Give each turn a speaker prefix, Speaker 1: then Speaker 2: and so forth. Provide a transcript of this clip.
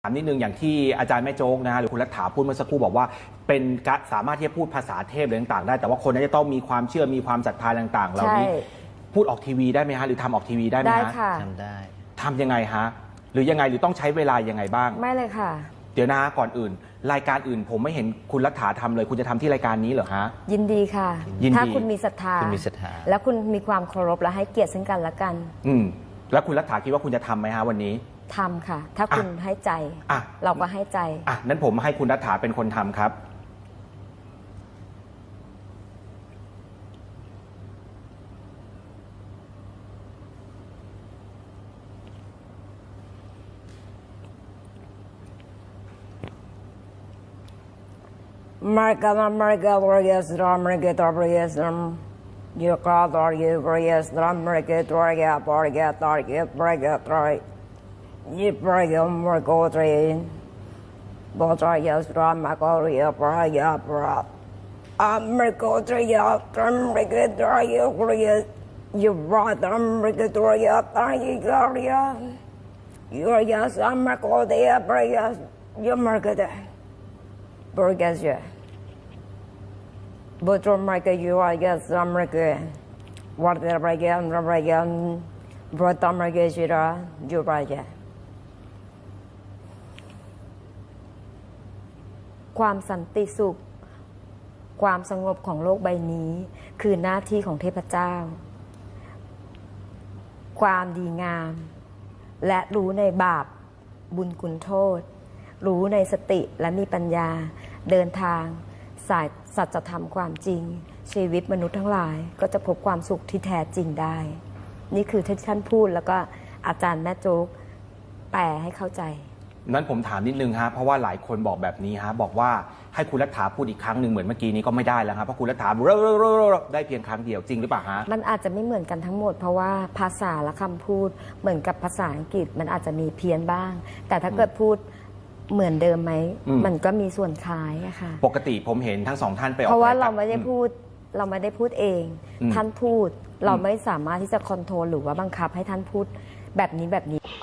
Speaker 1: ามนิดนึงอย่างที่อาจารย์แม่โจ๊กนะฮะหรือคุณรัฐาพูดเมื่อสักครู่บอกว่าเป็นสามารถที่จะพูดภาษาเทพอะไรต่างๆได้แต่ว่าคนนั้นจะต้องมีความเชื่อมีความศรัทธาต่างๆเหล่านี้พูดออกทีวีได้ไหมฮะหรือทำออกทีวีได้ไหมฮะ
Speaker 2: ได้ค่ะ
Speaker 3: ทำได้
Speaker 1: ทำยังไงฮะหรือยังไงหรือต้องใช้เวลายังไงบ้าง
Speaker 2: ไม่เลยค่ะ
Speaker 1: เดี๋ยวนะก่อนอื่นรายการอื่นผมไม่เห็นคุณรัฐาทำเลยคุณจะทำที่รายการนี้เหรอฮะ
Speaker 2: ยินดีค่ะ
Speaker 1: ยินดี
Speaker 2: ถ้าคุณมีศรัทธาแล้วคุณมีความเคารพและให้เกียรติซึ่งกันและกัน
Speaker 1: แล้วคุณรัฐาคิดว่าคุณจะทำไหมฮะวันนี้
Speaker 2: ทำค่ะถ้าคุณให้ใจเราก็ให้ใจ
Speaker 1: นั้นผมให้คุณรัฐาเป็นคนทำครับ
Speaker 2: Marga marga warriors drum marga warriors you call warriors drum marga warrior warrior target warrior try you warrior marga train warriors drum marga warrior brought marga warrior drum marga warrior you brought them marga warrior target warrior you are yes marga warrior you marga Burgazia. But Romaka, you are yes, America. What the Ragan, Ragan, brought America, you Raja. ความสันติสุขความสงบของโลกใบนี้คือหน้าที่ของเทพเจ้าความดีงามและรู้ในบาปบุญคุณโทษรู้ในสติและมีปัญญาเดินทางสายสัจธรรมความจริงชีวิตมนุษย์ทั้งหลายก็จะพบความสุขที่แท้จริงได้นี่คือที่ท่านพูดแล้วก็อาจารย์แม่โจ๊กแปลให้เข้าใจ
Speaker 1: นั้นผมถามนิดนึงฮะเพราะว่าหลายคนบอกแบบนี้ฮะบอกว่าให้คุณรัฐาพูดอีกครั้งหนึ่งเหมือนเมื่อกี้นี้ก็ไม่ได้แล้วครับเพราะคุณรัฐาได้เพียงครั้งเดียวจริงหรือเปล่าฮะ
Speaker 2: มันอาจจะไม่เหมือนกันทั้งหมดเพราะว่าภาษาและคำพูดเหมือนกับภาษาอังกฤษมันอาจจะมีเพี้ยนบ้างแต่ถ้าเกิดพูดเหมือนเดิมไหมมันก็มีส่วนคล้ายอะค่ะ
Speaker 1: ปกติผมเห็นทั้งสองท่านไปออก
Speaker 2: เพราะว่าเราไม่ได้พูดเองท่านพูดเราไม่สามารถที่จะคอนโทรลหรือว่าบังคับให้ท่านพูดแบบนี้